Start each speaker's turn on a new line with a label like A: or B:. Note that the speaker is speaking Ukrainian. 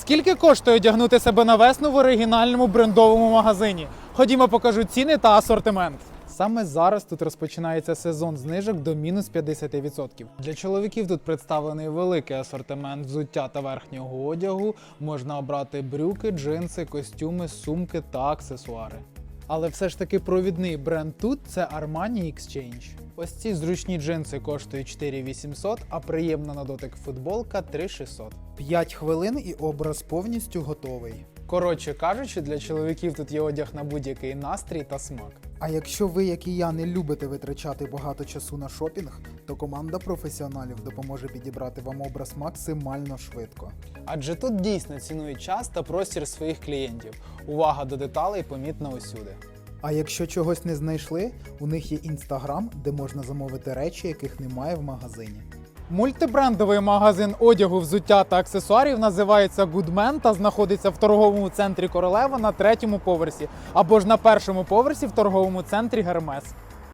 A: Скільки коштує одягнути себе на весну в оригінальному брендовому магазині? Ходімо, покажу ціни та асортимент. Саме зараз тут розпочинається сезон знижок до мінус 50%. Для чоловіків тут представлений великий асортимент взуття та верхнього одягу. Можна обрати брюки, джинси, костюми, сумки та аксесуари. Але все ж таки провідний бренд тут – це Armani Exchange. Ось ці зручні джинси коштують 4800, а приємна на дотик футболка 3600. 5 хвилин і образ повністю готовий. Коротше кажучи, для чоловіків тут є одяг на будь-який настрій та смак. А якщо ви, як і я, не любите витрачати багато часу на шопінг, то команда професіоналів допоможе підібрати вам образ максимально швидко. Адже тут дійсно цінують час та простір своїх клієнтів. Увага до деталей помітна усюди. А якщо чогось не знайшли, у них є Instagram, де можна замовити речі, яких немає в магазині. Мультибрендовий магазин одягу, взуття та аксесуарів називається Goodman та знаходиться в торговому центрі Королева на 3-му поверсі або ж на 1-му поверсі в торговому центрі Гермес.